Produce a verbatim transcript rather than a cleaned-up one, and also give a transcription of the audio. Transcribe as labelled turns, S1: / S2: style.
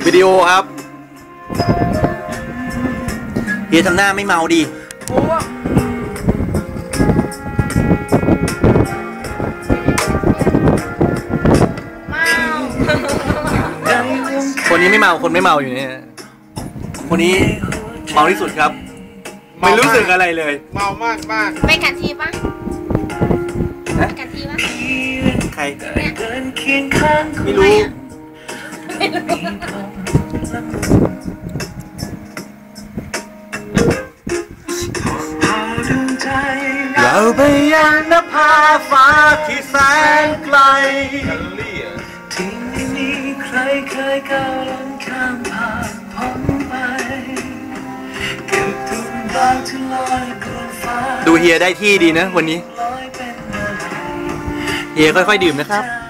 S1: วิดีโอครับเฮียทำหน้าไม่เมาดิคนนี้ไม่เมาคนไม่เมาอยู่เนี่ยคนนี้เมาที่สุดครับไม่รู้สึกอะไรเลย
S2: เมามากมาก
S3: ไปกันทีปะไปกันทีปะ
S1: ใครไม่รู้เราไปยังนภาฟ้าที่แสนไกลที่ไม่มีใครเคยก้าวล้ำข้ามผ่านพ้นไปเก็บทุกดาวที่ลอยบนฟ้าดูเฮียได้ที่ดีนะวันนี้เฮียค่อยๆดื่มนะครับ